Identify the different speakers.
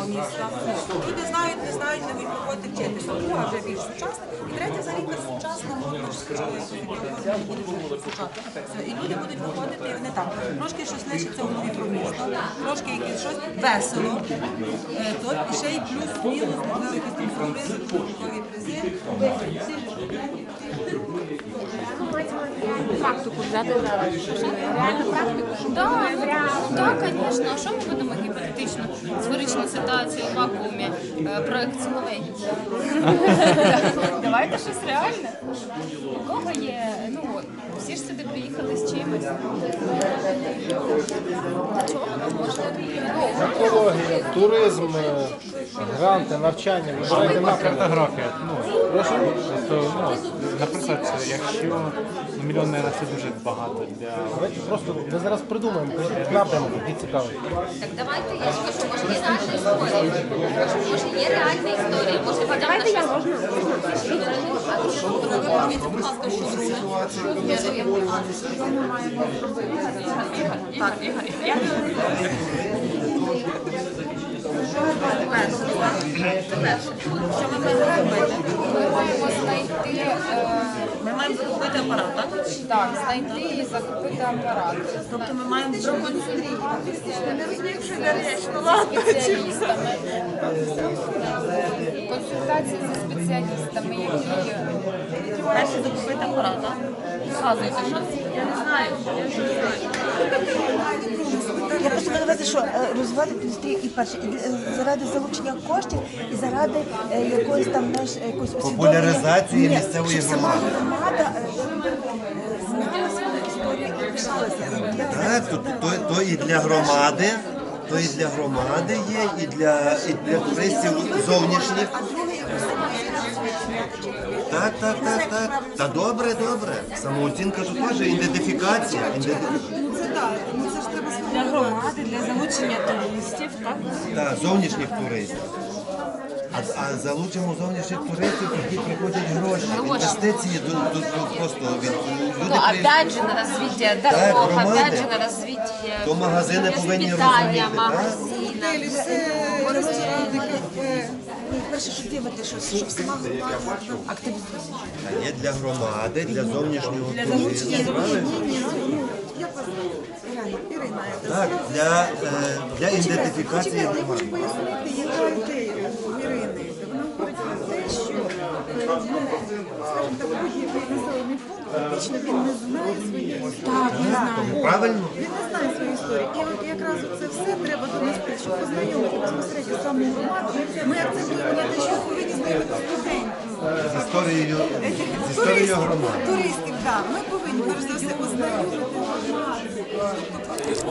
Speaker 1: міста. Люди знають, не знають, не будуть приходити вчитися. Друга вже більш сучасна. І третя взагалі сучасна, молодь школи, і люди будуть виходити, і вони так. Трошки щось лишиться у голові про місто, трошки якесь щось весело. І ще й плюс-мінус, можливо, якісь там сюрпризи, додаткові призи.
Speaker 2: Практику взяти зараз. Реальну практику? Так, звісно. А що ми будемо гіпотетично? Сферичну ситуацію в вакуумі, проєкт силовий. Давайте щось реальне. У кого є, всі ж сюди приїхали з чимось. Чого ви можете?
Speaker 3: Екологія, туризм, гранти, навчання, вибирайте напрямок.
Speaker 4: Картографія. Наприклад, якщо мільйонера це дуже багато для...
Speaker 3: Давайте просто ми зараз придумаємо напрямок, який цікавий.
Speaker 5: Так давайте, я ж кажу, може є реальна історія. Може є реальна історія. Може хоча б на щось.
Speaker 1: Так, Ігор, я що ми маємо робити?
Speaker 2: Ми маємо знайти...
Speaker 1: Ми маємо закупити апарат, так?
Speaker 2: Так, знайти і закупити апарат.
Speaker 1: Тобто ми маємо
Speaker 2: Спеціалістами. Консультації зі спеціалістами, які...
Speaker 1: перше закупити апарат, так? Згадуйте щось. Я не знаю.
Speaker 6: Я просто маю на увазі, що розвивати індустрію і перше, і заради залучення коштів, і заради якоїсь там, знаєш, якоїсь
Speaker 7: популяризації місцевої
Speaker 6: щоб сама
Speaker 7: громади.
Speaker 6: громада знала свою історію і пишалася.
Speaker 7: Так, то і для громади, то і для громади є, і для туристів зовнішніх. Так. Та добре. Самооцінка тут теж ідентифікація.
Speaker 1: Для громади, для залучення туристів, так?
Speaker 7: Так, зовнішніх туристів. А залучимо зовнішніх туристів, тоді приходять гроші. Інвестиції просто від люди.
Speaker 5: Опять же на развитие дорог, опять же на развитие
Speaker 7: То магазини повинні
Speaker 5: питання,
Speaker 7: розуміти.
Speaker 5: магазина.
Speaker 6: Перше, що дивити, щоб сама громада активізувалася.
Speaker 7: А є для громади, для зовнішнього
Speaker 1: Для
Speaker 7: туризму.
Speaker 1: залучення
Speaker 6: Я вас Ірина,
Speaker 7: Так, для ідентифікації
Speaker 6: я
Speaker 7: громади.
Speaker 6: хочу пояснити, яка ідея у Ірини. Вона говорить про те, що, скажімо так, будь-який населений пункт, фактично він не знає своєї історії.
Speaker 7: Правильно?
Speaker 6: Він не знає своєї історії. І от якраз це все треба донести, щоб познайомити безпосередньо саму громаду. Ми акцентуємо на те, що повинні знайомити студентів.
Speaker 7: З історією громади.
Speaker 6: Туристів, так. Ми повинні перш за все ознайомити громаду.